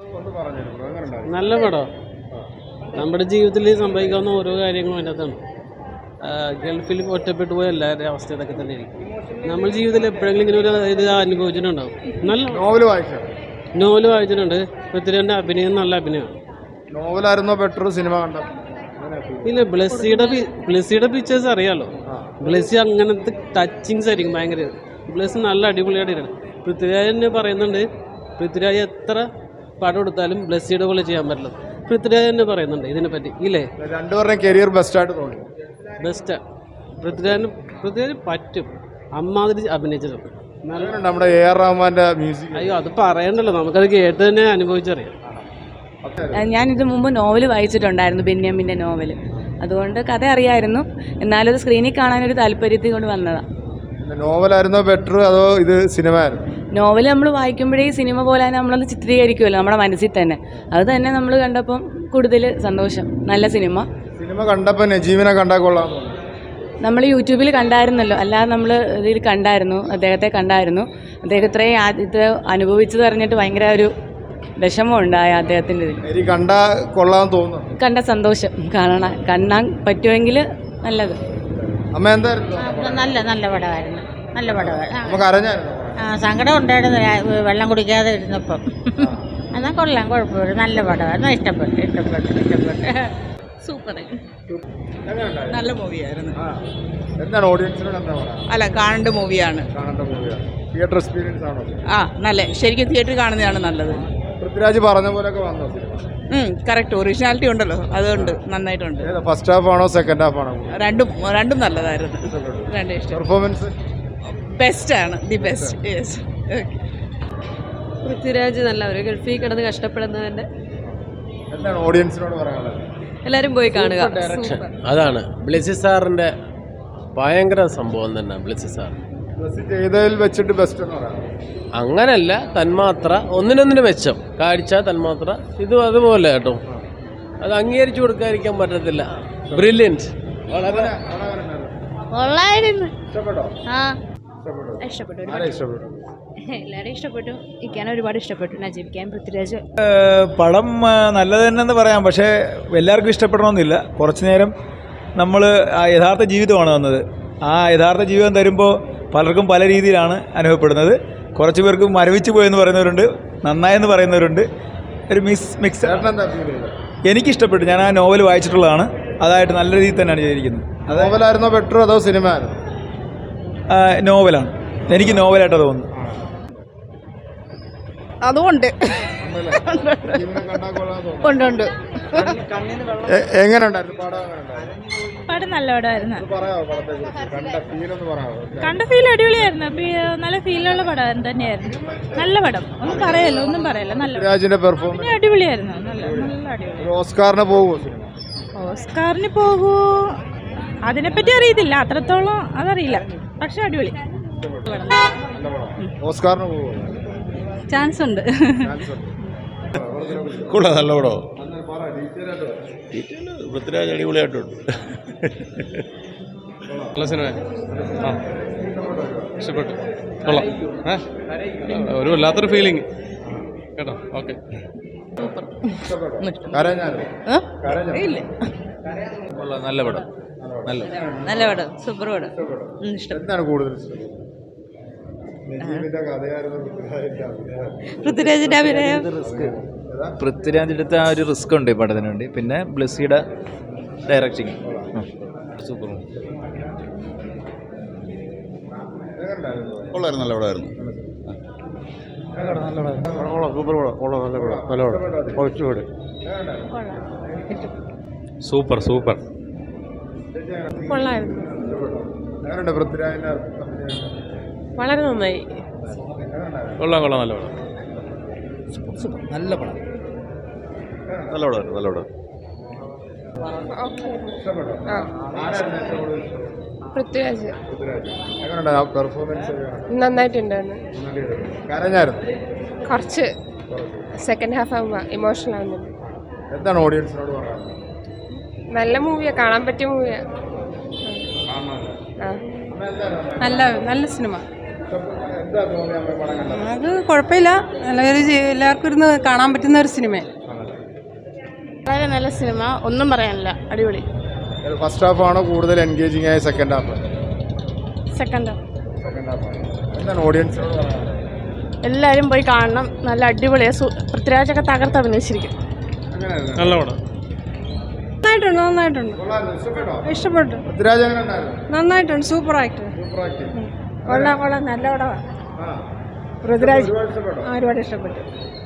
നല്ല പടം. നമ്മുടെ ജീവിതത്തിൽ സംഭവിക്കാവുന്ന ഓരോ കാര്യങ്ങളും അതിനകത്താണ്. ഗൾഫിൽ ഒറ്റപ്പെട്ടു പോയ എല്ലാവരുടെയും അവസ്ഥ ഇതൊക്കെ തന്നെയായിരിക്കും. നമ്മൾ ജീവിതത്തിൽ എപ്പോഴെങ്കിലും ഇങ്ങനെ ഒരു ഇത് അനുഭവിച്ചിട്ടുണ്ടാവും. നല്ല നോവൽ വായിച്ചിട്ടുണ്ട്. പൃഥ്വിരാജിൻ്റെ അഭിനയം നല്ല അഭിനയമാണ്. നോവലായിരുന്നോ ബെറ്റർ സിനിമ കണ്ട? ഇല്ല, ബ്ലെസ്സിയുടെ പിക്ചേഴ്സ് അറിയാമല്ലോ. ബ്ലെസ്സി അങ്ങനത്തെ ടച്ചിങ്സ് ആയിരിക്കും ഭയങ്കര. ബ്ലെസ്സി നല്ല അടിപൊളിയായിട്ടാണ്. പൃഥ്വിരാജ് തന്നെ പറയുന്നുണ്ട്, പൃഥ്വിരാജ് എത്ര പടം എടുത്താലും ബ്ലെസ്സിയുടെ പോലെ ചെയ്യാൻ പറ്റില്ല. പൃഥ്വിരാജ് തന്നെ പറയുന്നുണ്ട് ഇതിനെപ്പറ്റി. ഇല്ലേ, രണ്ടുപേരുടെയും കരിയർ ബെസ്റ്റായിട്ട് തോന്നി. ബെസ്റ്റാ. പൃഥ്വിരാജ് പറ്റും. അമ്മാതിരി അഭിനയിച്ചിട്ടുണ്ട്. നമ്മുടെ AR റഹ്മാന്റെ മ്യൂസിക്. അയ്യോ, അത് പറയണ്ടല്ലോ, നമുക്കത് കേട്ട് തന്നെ അനുഭവിച്ചറിയാം. ഞാനിത് മുമ്പ് നോവൽ വായിച്ചിട്ടുണ്ടായിരുന്നു, ബെന്യാമിൻ്റെ നോവൽ. അതുകൊണ്ട് കഥ അറിയായിരുന്നു. എന്നാലും അത് സ്ക്രീനിൽ കാണാനൊരു താല്പര്യത്തിൽ കൊണ്ട് വന്നതാണ്. നോവലായിരുന്നോ ബെറ്റർ അതോ ഇത് സിനിമ ആയിരുന്നു? നോവൽ നമ്മൾ വായിക്കുമ്പോഴേ ഈ സിനിമ പോലെ തന്നെ നമ്മളത് ചിത്രീകരിക്കുമല്ലോ നമ്മുടെ മനസ്സിൽ തന്നെ. അത് തന്നെ നമ്മൾ കണ്ടപ്പം കൂടുതൽ സന്തോഷം. നല്ല സിനിമ കണ്ടപ്പോൾ നജീമിനെ കണ്ടാൽ കൊള്ളാം. നമ്മൾ യൂട്യൂബിൽ കണ്ടായിരുന്നല്ലോ, അല്ലാതെ നമ്മൾ ഇതിൽ കണ്ടായിരുന്നു, അദ്ദേഹത്തെ കണ്ടായിരുന്നു. അദ്ദേഹം ഇത്രയും ഇത് അനുഭവിച്ചത് അറിഞ്ഞിട്ട് ഭയങ്കര ഒരു വിഷമം ഉണ്ടായ അദ്ദേഹത്തിൻ്റെ ഇതിൽ. കണ്ട സന്തോഷം. കാണാൻ പറ്റുമെങ്കിൽ നല്ലത്. നല്ല പടമായിരുന്നു. നല്ല പടമായിരുന്നു. സങ്കടം ഉണ്ടായിരുന്നു വെള്ളം കുടിക്കാതെ ഇരുന്നപ്പം. എന്നാൽ കൊള്ളാം, കുഴപ്പമില്ല. നല്ല പടമായിരുന്നു. ഇഷ്ടപ്പെട്ടു. സൂപ്പർ, നല്ല മൂവിയായിരുന്നു. അല്ല, കാണേണ്ട മൂവിയാണ്. തിയേറ്റർ എക്സ്പീരിയൻസ് ആണോ? നല്ല, ശരിക്കും തിയേറ്ററിൽ കാണുന്നതാണ് നല്ലത്. പൃഥ്വിരാജ് പറഞ്ഞ പോലെയൊക്കെ വന്നോ? കറക്റ്റ്, ഒറിജിനാലിറ്റി ഉണ്ടല്ലോ, അതുകൊണ്ട് നന്നായിട്ടുണ്ട്. ഫസ്റ്റ് ഹാഫ് ആണോ സെക്കൻഡ് ഹാഫ് ആണോ? രണ്ടും നല്ലതായിരുന്നു. രണ്ടും ഇഷ്ടം. പെർഫോമൻസ് ബെസ്റ്റാണ്, ദി ബെസ്റ്റ്. യെസ്. പൃഥ്വിരാജ് നല്ല ഒരു ഗൾഫിൽ കിടന്ന് കഷ്ടപ്പെടുന്നതിൻ്റെ എന്താണ് ഓഡിയൻസിനോട് പറയാനുള്ളത്? എല്ലാവരും പോയി കാണുക. അതാണ് ബ്ലെസ്സി സാറിൻ്റെ ഭയങ്കര സംഭവം തന്നെ. ബ്ലെസ്സി സാർ ചെയ്തതിൽ വെച്ചിട്ട് ബെസ്റ്റ് എന്ന് പറയാം. അങ്ങനല്ല, തന്മാത്ര ഒന്നിനൊന്നിന് മെച്ചം. കാഴ്ച തന്മാത്ര ഇതും അതുപോലെ കേട്ടോ. അത് അംഗീകരിച്ചു കൊടുക്കാതിരിക്കാൻ പറ്റത്തില്ല. ബ്രില്യൻറ്റ്. വളരെ ഇഷ്ടപ്പെട്ടു. എല്ലാവരും ഇഷ്ടപ്പെട്ടു. ഇരിക്കാൻ ഒരുപാട് ഇഷ്ടപ്പെട്ടു. നജീബിക്കാൻ പൃഥ്വിരാജ് പടം നല്ലത് തന്നെയെന്ന് പറയാം. പക്ഷേ എല്ലാവർക്കും ഇഷ്ടപ്പെടണമെന്നില്ല. കുറച്ച് നേരം നമ്മൾ ആ യഥാർത്ഥ ജീവിതമാണ് വന്നത്. ആ യഥാർത്ഥ ജീവിതം തരുമ്പോൾ പലർക്കും പല രീതിയിലാണ് അനുഭവപ്പെടുന്നത്. കുറച്ച് പേർക്ക് മരവിച്ച് പോയെന്ന് പറയുന്നവരുണ്ട്, നന്നായെന്ന് പറയുന്നവരുണ്ട്. ഒരു മിക്സ്. എനിക്കിഷ്ടപ്പെട്ടു. ഞാൻ ആ നോവൽ വായിച്ചിട്ടുള്ളതാണ്. അതായിട്ട് നല്ല രീതിയിൽ തന്നെയാണ് ചെയ്തിരിക്കുന്നത്. നോവലായിരുന്നോ ബെറ്റർ അതോ സിനിമ ആയിരുന്നോ? നോവലാണ്. എനിക്ക് നോവലായിട്ടാണ് തോന്നുന്നത്. അതുകൊണ്ട് എങ്ങനെയുണ്ടായിരുന്നു പടം? നല്ല പടമായിരുന്നു. കണ്ട ഫീൽ അടിപൊളിയായിരുന്നു. നല്ല ഫീലുള്ള പടം തന്നെയായിരുന്നു. നല്ല പടം, ഒന്നും പറയല്ല. നല്ല പെർഫോമൻസ് അടിപൊളിയായിരുന്നു. നല്ല അടിപൊളി. ഓസ്കാറിന് പോകുമോ അതിനെപ്പറ്റി അറിയത്തില്ല, അത്രത്തോളം അതറിയില്ല. പക്ഷെ അടിപൊളി. ഓസ്കാറിന് പോകുമോ? ചാൻസ് ഉണ്ട്. നല്ല പടോ. പൃഥ്വിരാജ് അടിപൊളിയായിട്ടുണ്ട്. നല്ല സിനിമ. ഇഷ്ടപ്പെട്ടു. കൊള്ളാം. ഒരു വല്ലാത്തൊരു ഫീലിംഗ് കേട്ടോ. ഓക്കെ. നല്ല പടം. നല്ല പടം. സൂപ്പർ പടം. എന്താണ് കൂടുതൽ പൃഥ്വിരാജിന്റെ അഭിനയം? പൃഥ്വിരാജിൻ്റെ അടുത്ത് ആ ഒരു റിസ്ക് ഉണ്ട് ഈ പടത്തിന് വേണ്ടി. പിന്നെ ബ്ലെസ്സിയുടെ ഡയറക്റ്റിങ് സൂപ്പർ. കൊള്ളായിരുന്നു. നല്ല പടമായിരുന്നു. സൂപ്പർ. കൊള്ളായിരുന്നു. വളരെ നന്നായി. കൊള്ളാം. നല്ല പടം. നല്ല പടം. നല്ല പടം. പൃഥ്വിരാജ് നന്നായിട്ടുണ്ടായിരുന്നു. കുറച്ച് സെക്കൻഡ് ഹാഫ് ആകുമ്പോൾ ഇമോഷണൽ ആവുന്നുണ്ട്. എന്താണ് ഓഡിയൻസിനോട് പറയാനുള്ളത്? നല്ല മൂവിയാണ്, കാണാൻ പറ്റിയ മൂവിയാണ്. നല്ല സിനിമ. എന്താ തോന്നി അമ്മ പടം കണ്ടത്? അത് കുഴപ്പമില്ല, എല്ലാവർക്കും ഇരുന്ന് കാണാൻ പറ്റുന്ന ഒരു സിനിമ. വളരെ നല്ല സിനിമ, ഒന്നും പറയാനില്ല, അടിപൊളി. ഫസ്റ്റ് ഹാഫ് ആണോ കൂടുതൽ എൻഗേജിങ് ആയ second half? Second second half ആണ്. എന്താണ് ഓഡിയൻസിനോട് പറയാനുള്ളത്? എല്ലാവരും പോയി കാണണം, നല്ല അടിപൊളിയാണ്. പൃഥ്വിരാജൊക്കെ തകർത്ത് അഭിനയിച്ചിരിക്കും. എങ്ങനെയായിരുന്നു? നല്ല പടം. നന്നായിട്ടുണ്ട്. കൊള്ളാമായിരുന്നു. ഇഷ്ടപ്പെട്ടോ? ഇഷ്ടപ്പെട്ടു. പൃഥ്വിരാജ് എങ്ങനെ ഉണ്ടായിരുന്നു? നന്നായിട്ടുണ്ട്. Super act. Super acting. കൊള്ളാം, നല്ല പടമാണ്. ആ. പൃഥ്വിരാജ് ഒരുപാട് ഇഷ്ടപ്പെട്ടോ? ഒരുപാട് ഇഷ്ടപ്പെട്ടു.